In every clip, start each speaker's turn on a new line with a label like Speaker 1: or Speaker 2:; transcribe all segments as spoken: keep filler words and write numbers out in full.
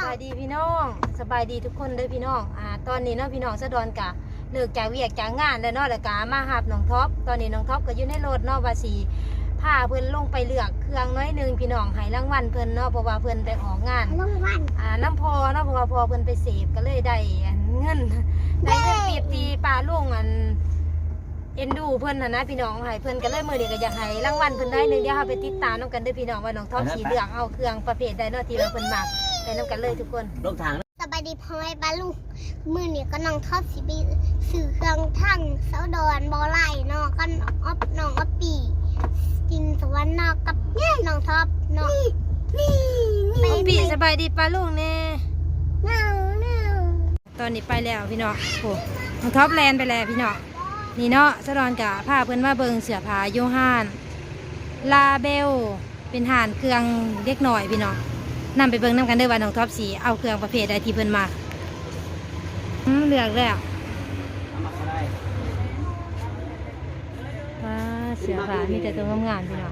Speaker 1: บายดีพี่น้องสบายดีทุกคนเลยพี่น้องอ่าตอนนี้เนาะพี่น้องสะดอนกะเลิกจากเวียกจากงานแล้วเนาะแล้วกะมาหับน้องท็อปตอนนี้น้องท็อปก็อยู่ในรถเนาะว่าสีพาเพิ่นลงไปเลือกเครื่องน้อยนึงพี่น้องให้รางวัลเพิ่นเนาะเพราะว่าเพิ่นไปออกงานรางวัลอ่าน้ำพอเนาะเพราะว่าพอเพิ่นไปเสพก็เลยได้เงินได้เงินปีบตีปลาลุงอันเอ็นดูเพิ่นนะนะพี่น้องให้เพิ่นก็เลยมือเดียวก็อยากให้รางวัลเพิ่นได้นึงเดี๋ยวเราไปติดตามน้ำกันเด้อพี่น้องว่าน้องท็อปสีเลือกเอาเครื่องประเภทใดเนาะที่เราเพิ่นมักไปน้ำกันเลยทุกคน
Speaker 2: ลงทาง
Speaker 3: สบายดีพ่อแม่บ้านลูกมือเนี่ยก็น้องทอดสิบีสื่อเครื่องทั้งเสาดอนบอไล่นอก็น้องอ๊อบน้องอ๊อบปีกินสวรรค์นอกกับเนี่ยน้องท็อปน้องนี่
Speaker 1: นี่ปีสบายดีปลาลูกแน่
Speaker 3: น้องน้อง
Speaker 1: ตอนนี้ไปแล้วพี่น้องโอ้น้องท็อปแลนไปแล้วพี่น้องนี่เนาะสะดอนกะพาเพิ่นมาเบิ่งเสื้อผ้าโยฮานลาเบลเป็นห่านเครื่องเล็กหน่อยพี่น้องนำไปเบิ่งน้ำกันเด้อว่าน้องท็อปสีเอาเครื่องประเภทใดที่เพิ่นมาอืมเลือกแล้วว้าเสื้อผ้ามีแต่ตัวงามๆพี่น้อง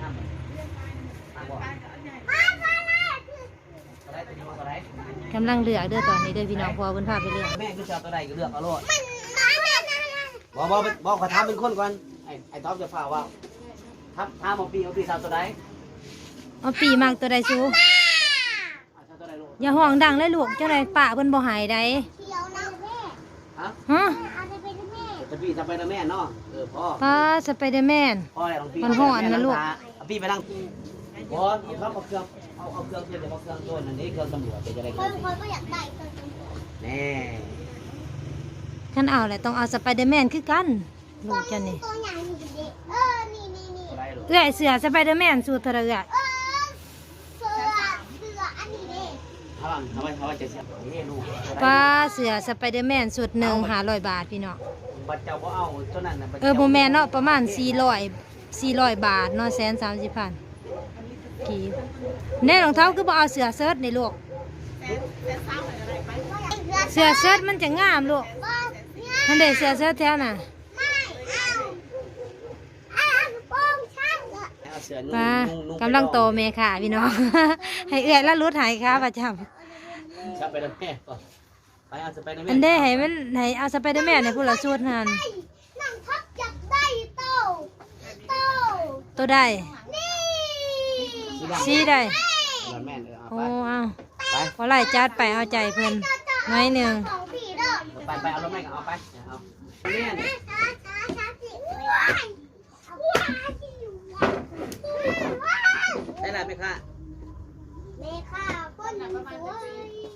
Speaker 1: กำลังเลือกเด้อตอนนี้เด้อพี่น้องพอเพิ่นพาไปเลือก
Speaker 2: แม่คือชอบตัวใดก็เลือกเอาโลดบอกบอกบอกขอถามเป็นคนก่อนไอ้ไอ้ท็อปจะฝ่าว่าทับถามเอาปีเอาปีชอบตัวใด
Speaker 1: เอาปีมากตัวใดซูอย่าห้องดังเลยลูกเจ้าใดป่าเพิ่นบ่หายใด
Speaker 2: ฮะ
Speaker 1: ฮะ
Speaker 2: จะปีจะไปนะแม่เนาะเออพ่อ
Speaker 1: ป้าสไปเดอร์แมน
Speaker 2: พ่ออะไรของปี
Speaker 1: มันห่อนนะลูก
Speaker 2: เอาปีไปนั่งบอสเอาเครื่องเอาเอาเครื่องเดี๋ยวเอาเครื่องต้นอันนี้เครื่องตำรวจจะได้
Speaker 3: คนคนก็อยากได้เครื่องตำรวจ
Speaker 2: แน่
Speaker 1: ขั้นเอาแหละต้องเอาสไปเดอร์แมนคือกันลูกเจ้านี่
Speaker 3: ตัวใหญ่นี่เออนี่นี่นี่
Speaker 1: เอื้อยเสือสไปเดอร์แมนสูตรเท่าไหร่เอื้อย
Speaker 3: เสือเสืออันนี้เด้
Speaker 2: ทำทำไมทำไมจะเสียนี่ลูก
Speaker 1: ป้าเสือสไปเดอร์แมนสูตรหนึ่งหาร้อยบาทพี่น้อง
Speaker 2: บัตรเจ้าบ่เอาเท่านั้นนะ
Speaker 1: เออโบแมนเนาะประมาณสี่ร้อยสี่ร้อยบาทเนาะแสนสามสิบพันกี่แน่รองเท้าคือบ่เอาเสือเซิร์ชในลูกเสือเซิร์ชมันจะงามลูกมันได้เสือเซิร์ชแท้น่ะป้ากำลังโตเมค่ะพี่น้องให้เอื้อยแล้วรุดหายค่ะประจ
Speaker 2: ำสไปเดอร์แมนก่อนไปเอาสไปเดอร์แมน
Speaker 1: อันเด้ให้มันให้เอาสไปเดอร์แมนในผู้ละสูตรนั่น
Speaker 3: นั่งทับจับได้โตโต
Speaker 1: ตัวได้ซีได้โอ้เอาพอไล่จัดไปเอาใจเพิ่นน้อยหนึ่ง
Speaker 2: ไปไปเอารถแม่ก็เอาไปเอาเนี่ยได้ไรไหมคะ
Speaker 3: แม่ค่ะคนสวย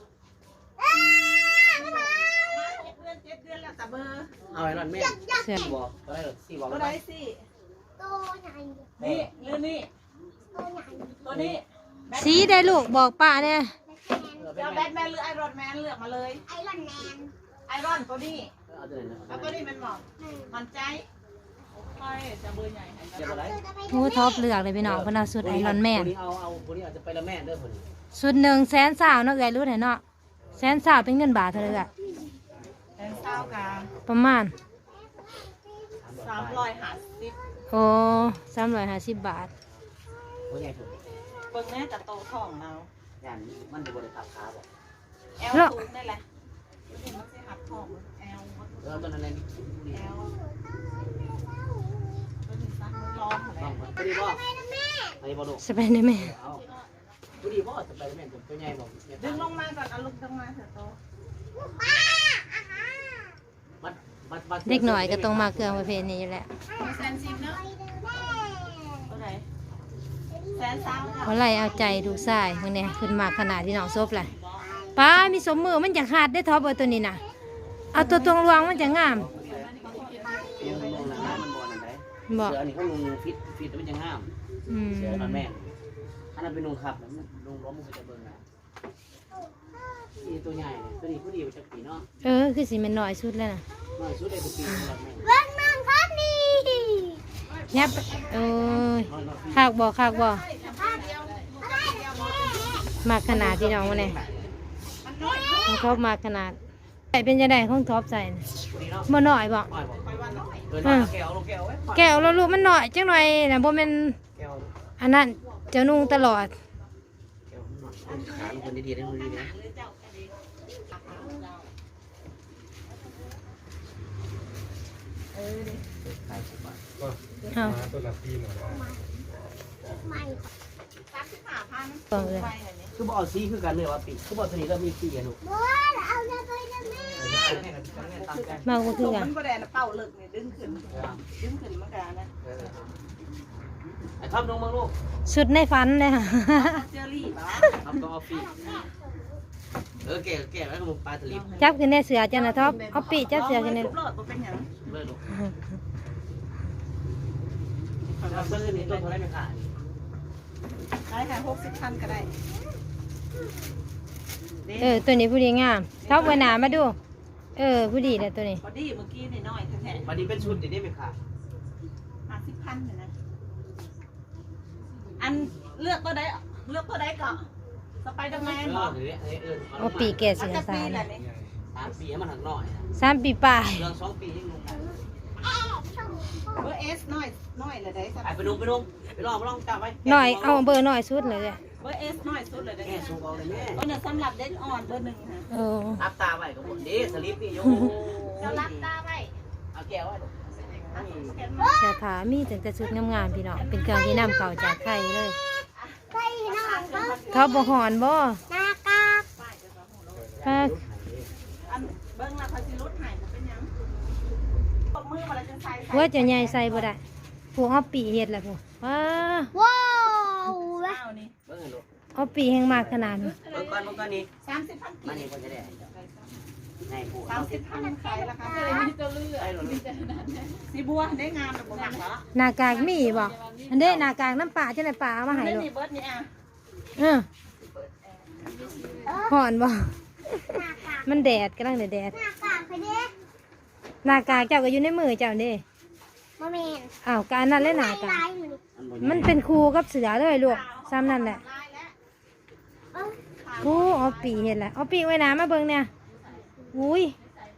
Speaker 2: เอาไอ้รถแม่เสียบอกก็ได้หรอสี่บอก
Speaker 4: ก็ได้สี่
Speaker 3: ตัวใหญ่
Speaker 4: นี่หรือนี่
Speaker 3: ตัวใหญ่
Speaker 4: ตัวนี้
Speaker 1: สีได้ลูกบอกป้าเนี่ย
Speaker 4: จะแบทแมนหรือไอรอนแมนเลือกมาเลย
Speaker 3: ไอรอนแมน
Speaker 4: ไอรอนตัวนี้แล้วตัวนี้มันเหมาะมันใจค่อยจะเบอร์ใหญ่
Speaker 1: โอ้ท็อปเลือกเลยพี่น้องเพิ่นเอาสุดไอรอนแมน
Speaker 2: เอาเอาคนนี้อาจจะไปละแม่เด้อคน
Speaker 1: สุดหนึ่งแสนสาวเนาะเอื้อยรู้ไหนเนาะแสนสาวเป็นเงินบาทเท่าไหร่อะ
Speaker 4: แสนสาวกัน
Speaker 1: ประมาณ
Speaker 4: สามร้อยห้าสิบ
Speaker 1: โอ้สามร้อยห้าสิบบาท
Speaker 2: โอ้ใหญ่สุด
Speaker 4: เบิ่งแม่จะโตท้องเรา
Speaker 2: อย่างมันจะบริษัทขาบอก
Speaker 4: แอลสูงได้แหละมันจะหักท้องแอล
Speaker 2: เออตอนนั้นเลย
Speaker 4: แอลตัวนี้ซักร้องอะไร
Speaker 2: ตัวนี้บ่อันนี้บ่ดู
Speaker 1: สไปเดอร์แมน
Speaker 2: ตัวนี้บ่สไปเดอร์แมนตัวใหญ่บ่
Speaker 4: ดึงลงมาก่อนเอาลงลงมาเถอะโต
Speaker 1: เด็กหน่อยก็ต้องมาเครื่องประเภทนี้อยู่แล้ว
Speaker 4: แสนสิบเนาะตัวไหนแสนสาม
Speaker 1: เขาไล่เอาใจดูทรายเมื่อนี้ขึ้นมาขนาดที่น้องซบเลยป้ามีสมมือมันจะขาดได้ท็อปเบอร์ตัวนี้นะเอาตัวตรงรวงมันจะงาม
Speaker 2: บอกเสือนี่เขาลงฟิตฟิตมันจะงามเสือมันแม่อันนั้นเป็นลงขับแล้วลงล้มมันจะเบิ่งนะนี่ตัวใหญ่ตัวนี้ผู้ดีมันจะปีเนาะ
Speaker 1: เออคือสีมันหน่อยสุดแล้วนะ
Speaker 2: หน่อยสุดเลยตัวปี
Speaker 3: เบิ้งน้องครับนี่
Speaker 1: เนี่ยเออขากบ่ขากบ่มากขนาดที่น้องวันนี้ของท็อปมากขนาดใส่เป็นยังไงของท็อปใส่บ่หน่อยบ่แก้วเราลูกมันหน่อยจังหน่อยนะบ่เป็นอันนั้นเจ้านุ่งตลอด
Speaker 2: ขาลงคนดีๆได้คนดีๆนะ
Speaker 4: เออดิ
Speaker 2: ขายสิบบาท
Speaker 5: ก็
Speaker 1: เอา
Speaker 5: มาตัวละปีหมดแล้ว
Speaker 3: ไม่
Speaker 4: สามสิบห้าพัน
Speaker 1: ต่อเลย
Speaker 4: ไปอันนี้
Speaker 2: คือบอกซีคือกันเลยว่าปีคือบอกตัวนี้ก็มีปีอะลูก
Speaker 3: บัวเอาเงินไปนะแม่
Speaker 2: แม่กันแม่ตามกัน
Speaker 1: มากกว่าคือกัน
Speaker 4: มันก็ได้นะเป่าเลิกนี่ดึงขึ้นดึงขึ้นมันก็นะ
Speaker 2: ไอ้ท็อปลงมาลูก
Speaker 1: สุดในฝันเลยค่ะ
Speaker 4: เจอรี่ป่ะ
Speaker 2: ท็อปต้องเอาปีเออแก่แก่แล้วก็มึงปลาทะเล
Speaker 1: จับขึ้นในเสือจ้ะนะท็อปเอาปีจับเสือขึ้นใน
Speaker 4: รถบ่เป็นหยัง
Speaker 2: เลยลูกเราซื้อนี่ตัวเท่าไรไม่ขาย
Speaker 4: ได้ค่ะหกสิบพันก็ได้
Speaker 1: เออตัวนี้ผู้ดีงามท็อปไว้หนามาดู เออผู้ดีเลยตัวนี้
Speaker 4: พอดีเมื่อกี้นี่น้อยแท้
Speaker 2: วันนี้เป็นชุดเดี๋ยวนี้ไม่ขาย
Speaker 4: ๆห้าสิบพันเลยนะอันเลือกตัวใดเลือกตัวใดก่อนสไปเดอร์แม
Speaker 2: เอน
Speaker 4: บ
Speaker 2: อ
Speaker 4: อก
Speaker 2: เดี๋ยวนี้เออ
Speaker 1: เอาปีแก่
Speaker 4: อั
Speaker 1: เสื
Speaker 4: น
Speaker 1: อ
Speaker 4: จะ
Speaker 1: สา
Speaker 4: ปี
Speaker 1: ร
Speaker 4: แหละนี่
Speaker 2: สามปีให้มันหักหน่อย
Speaker 1: สามปีปลาย
Speaker 2: เรื่องสองปียังลงกัน
Speaker 4: เบอร์เอสน้อยน้อยเลยได้สัก
Speaker 2: ไปนุ่งไปนุ่งไปลองไปลองจับไว้
Speaker 1: หน่อยเอาเบอร์หน่อยสุดเลย
Speaker 4: เบอร์เอสน้อยสุดเลยได้
Speaker 2: แง่สูงเอาเลยแม่
Speaker 4: เบอร์หนึ่งสำหรับเด็กอ่อนเบอร์หนึ่งค่ะ
Speaker 1: เออ
Speaker 2: รับตาไว้กับผมดีสลิปนี่โย
Speaker 4: จะรับตาไว้
Speaker 2: เอาแก้วไว้
Speaker 1: เสื้อผ้ามีแต่แต่ชุดงามๆพี่น้องเป็นเครื่องที่นำเก่าจากไทยเลย
Speaker 3: ไปน้องก็
Speaker 1: ท็อปบ่หอนบ่
Speaker 3: หน้ากาก
Speaker 1: ป้า
Speaker 4: อันเบิ้งราคาสิรุดหายเป็นยังตบมือมาแล้วจะใส่
Speaker 1: หัวจะใหญ่ใส่บ่ได้พวกเอาปีเฮ็ดล่ะพวกว้า
Speaker 3: ว้าว
Speaker 4: เก้านี่
Speaker 2: เบิ้งลูก
Speaker 1: เอาปีแห่งมากขนาดนี้
Speaker 2: เบิ้งก่อนเบิ้งก่อนนี่
Speaker 4: สามสิบพัน
Speaker 2: มา
Speaker 4: กี่
Speaker 2: นี่คนจะได้ให้ผู้
Speaker 4: สามสิบพันขายราคามีตัวเลือกสีบัวได้งามแบบหนักเหรอ
Speaker 1: หน้ากากมีบ่อันเด้หน้ากากน้ำปลาจังได๋ปลาเอามาให้
Speaker 4: เล่น
Speaker 1: ลูก
Speaker 4: นี่เบิร์ดนี่อ่ะ
Speaker 1: เออหอนบ่
Speaker 3: หน้ากาก
Speaker 1: มันแดดกำลังแดด
Speaker 3: หน้ากากไปเด้
Speaker 1: หน้ากากเจ้าก็อยู่ในมือเจ้าเด้
Speaker 3: มาเมน
Speaker 1: อ้าวการนั้นเลยหน้ากาก
Speaker 3: ลายอยู่
Speaker 1: มันเป็นครูกับเสือเลยลูกซ้ำนั่นแหละ
Speaker 4: ลายแล้ว
Speaker 3: เอ้า
Speaker 1: โอ้เอาปีเห็นแหละเอาปีไว้หนามาเบิ่งเนี่ยอุ้ย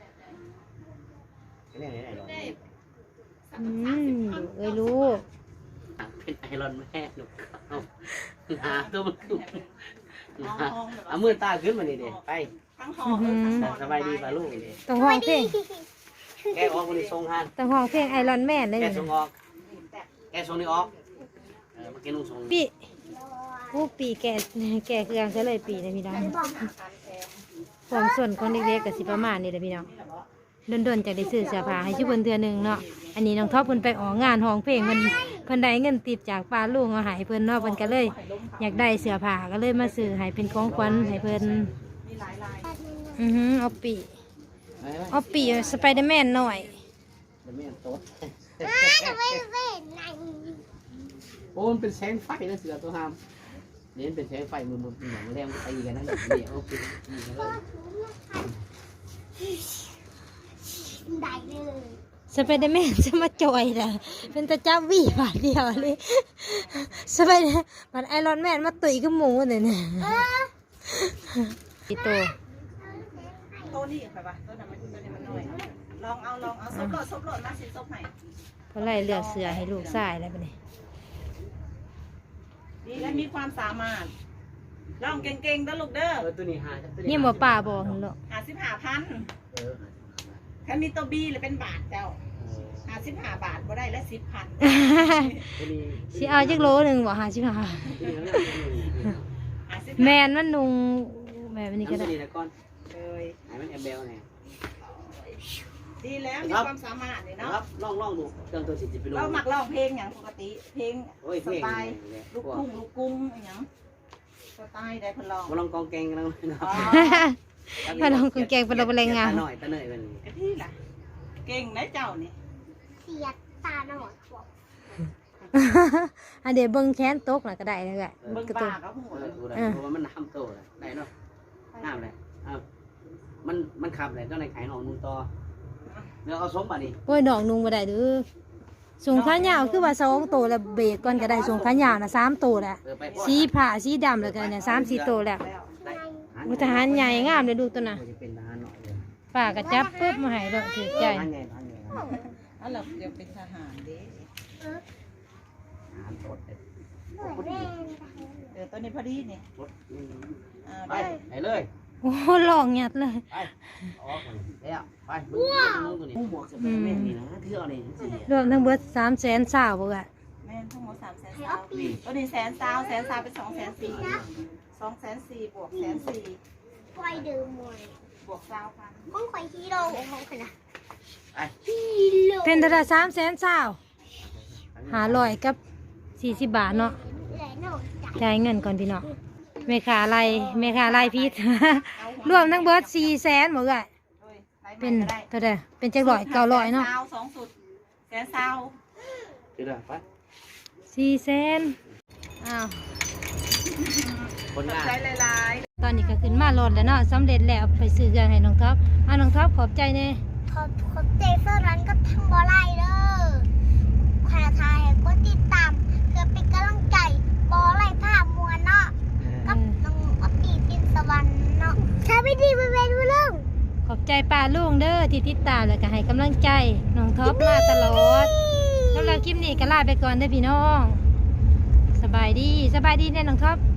Speaker 2: นี่นี่นี่
Speaker 1: อืมเอ้ยลูก
Speaker 2: เป็นไอรอนแม่ลูกเอาหาตัวมันขึ้น
Speaker 4: ห้อง
Speaker 2: เอามือตาขึ้นมานี่เด็ไป
Speaker 4: ทั้งห้องเออทั้งห้อง
Speaker 2: สบายดีป่ะลูกนี่
Speaker 1: ต้องห้องเพลง
Speaker 2: แกออกคนนี้ทรงหัน
Speaker 1: ต้องห้องเพลงไอรอนแมนเลย
Speaker 2: แก
Speaker 1: นี่
Speaker 2: ทรงออกแกทรงนี้ออกเออเมื่อกี้นุ่งทรง
Speaker 1: ปีโอ้ปีแก่แก่เครื่องซะเลยปีนะพี่น้องความส่วนของเด็กๆกับสิประมาณนี้แหละพี่น้องดนๆจากได้ซื้อเสื้อผ้าให้ชุบเพิ่นเทื่อหนึงเนาะอันนี้น้องท็อปเพิ่นไปออกงานห้องเพลงเพิ่นเพิ่นได้เงินติดจากป้าลุงเอาให้เพิ่นเนาะเพิ่นก็เลย อยากได้เสื้อผ้าก็เลยมาซื้อให้เป็นของขวัญให้เพิ่น
Speaker 4: มีหลายลาย
Speaker 1: อือหือเอาปีเอาปีสไปเดอร์แมนหน่อย
Speaker 2: เดี๋ยวแม่โต๊ด
Speaker 3: อ้าจะไปเว้นไหน
Speaker 2: โอ้มันเป็นแสงไฟนะเสือตัวหามนี่เป็นแสงไฟมือมือหนังแรงตีกันนั่นเดี๋ยวเอาไปตีกันเลย
Speaker 3: ได้เลย
Speaker 1: สไปเดอร์แมนจะมาจอยล่ะเป็นตาจับวี่บาทเดียวเลยสไปเดอร์มันไอรอนแมนมาตุยกับหมูเนี่ยเนี่ย
Speaker 3: เออ
Speaker 1: อีโต
Speaker 4: โตนี่ไปปะโตนั้นมันตัวนี้มันน้อยลองเอาลองเอาซบโหลดซบโหลดมาสิซบให้
Speaker 1: เพราะไรเลือกเสือให้ลูกชายแล้วปะเนี่ย
Speaker 4: ดีและมีความสามารถลองเก่งๆนะลูกเด้อ
Speaker 2: เออตัวนี้หาตัวนี้
Speaker 1: นี่บ่ป่าบอกหนหรอก
Speaker 4: หาสิบห้าพัน
Speaker 2: เออ
Speaker 4: ถ้ามีตัวบีเลยเป็นบาทเจ้าหาสิบห้าบาทบ่ได้และสิบพัน
Speaker 2: ตัวนี้
Speaker 1: สิเอาจักโลหนึ่งบ่หาชิบหา
Speaker 2: ตัวนี้
Speaker 4: หาสิบ
Speaker 1: แมนมันนุงแบบนี้ก็
Speaker 2: ตัว
Speaker 1: ได้
Speaker 2: นี้นะก้อน
Speaker 4: เลย
Speaker 2: ไอ้มันแอบเบลเนี่ย
Speaker 4: ดีแล้วมีความสามารถนี่
Speaker 2: นะ
Speaker 4: เนาะ
Speaker 2: ครับลองลองดูเครื่องตัวสิบไปลง
Speaker 4: เราหมักร้องเพลงอย่างปกติ เพลง
Speaker 2: โอ้ย
Speaker 4: ส
Speaker 2: เพลง
Speaker 4: ไตล์ลูกทุ่งลูกกรุ้งอหย่างสไตล์ได้เพนลอง
Speaker 2: มาลองกองแกงกันแล้วนะ
Speaker 4: อ๋อ
Speaker 1: มาลองคุณแกงเป็นเราเป็นแรงงาน
Speaker 2: หน่อยตะเนยเป็น
Speaker 4: ไอ้ที่ล่ะเก่งนะเจ้านี่
Speaker 3: เสียตาหน่อยบอก
Speaker 1: อันเดี๋ยวเบิ้งแค้นตกน่ะก็ได้เลย
Speaker 4: เบิ่ง
Speaker 1: กระ
Speaker 4: ป
Speaker 1: ตุ้
Speaker 4: ลาน ก็หัว
Speaker 2: เออดูได้เพราะว่ามันน้ำโตเลยได้เนาะน้ำเลยอ้าวมันมันขับเลยเจ้าในขายหนองนุ่งต่อเดี๋ยวเอาสมบัติดิ
Speaker 1: โอ้ยดอกนุงบ่ได้เด้อส่งขายาวคือว่าสองตัวแล้วเบรกก่อนก็ได้ส่งขายาวน่ะสามตัวแล้ว
Speaker 2: เออไป
Speaker 1: สีผ้าสีดำแล้วก็เนี่ยสามสี่ตัวแล้ว มุทหารใหญ่งามเลยดูตัวน่ะ
Speaker 2: จะเป็นทหารหน่อยเลย
Speaker 1: ป้าก็จับปุ๊บมาให้ดอกถือใจ
Speaker 2: ทหารใหญ่ทหารใหญ่ท
Speaker 4: อ๋อเราเดี๋ยวเป็นทหารเด้
Speaker 2: หารโตดเลย
Speaker 3: แม่
Speaker 4: เดี๋ยวตัวนี้พอดีนี่
Speaker 2: รถ
Speaker 4: อ่า
Speaker 2: ไป
Speaker 4: ได้
Speaker 2: ไหนเลย
Speaker 1: โอ้หลอกหยัดเลย
Speaker 2: ไปออกมันแล้วไปมึงมึงตัวนี้หมวกจะเป็นแม่นี่นะเที่ยวนี่สิ
Speaker 1: รวมทั้งเบิดสามแสนสาวบ่กะ
Speaker 4: แม่นทั้งหมดสามแสนสาวตัวนี้แสนสาวแสนสาวเป็นสองแสนสี่สองแสนสี่บวกแสนสี่
Speaker 3: ไฟเดิมมวย
Speaker 4: บวกสาวพัน
Speaker 3: ห้องไฟฮีโร่ห้องขนาด
Speaker 2: ไป
Speaker 3: ฮีโร่
Speaker 1: เป็นเท่าไหร่สามแสนสาวหาร้อยกับสี่สิบบาทเนาะ
Speaker 3: แหล่นอกจาก
Speaker 1: จ่ายเงินก่อนพี่น้องเมคาไรเมคาไรพิษ รวมทั้งเบิดสี่แสนบ่กะ
Speaker 4: โดยไล่
Speaker 1: เป็
Speaker 4: ใหม่
Speaker 1: น
Speaker 4: ก็ได้
Speaker 1: เท่าไหร่เป็นจักร้อยเก้าร้อยเนาะ
Speaker 4: แสสาวสองสุดแสนสาว
Speaker 2: เดี๋ยวไป
Speaker 1: สี่แสนอ้าว
Speaker 2: คน
Speaker 4: ตก
Speaker 2: งาน
Speaker 4: ใจหลาย
Speaker 1: ตอนนี้ก็ขึ้นมาโหลดแล้วเนาะสำเร็จแล้วไปซื้อเครื่องให้น้องท็อปอ่ะน้องท็อปขอบใจเน่
Speaker 3: ขอบขอบใจเสื้อร้านกับทั้งบอไลเด้อใครทายก็ติดตามเพื่อเป็นกำลังใจบอไลภาพมวลเนาะกับน้องอปปี้ปินสวรรค์เนาะใช้วิธีเป็นเวรเรื่อง
Speaker 1: ขอบใจป้าลุงเด้อที่ติดตามแล้วก็ให้กำลังใจน้องท็อปมาตลอดสำหรับคลิปนี้ก็ลาไปก่อนเด้อพี่น้องสบายดีสบายดีแน่น้องท็อป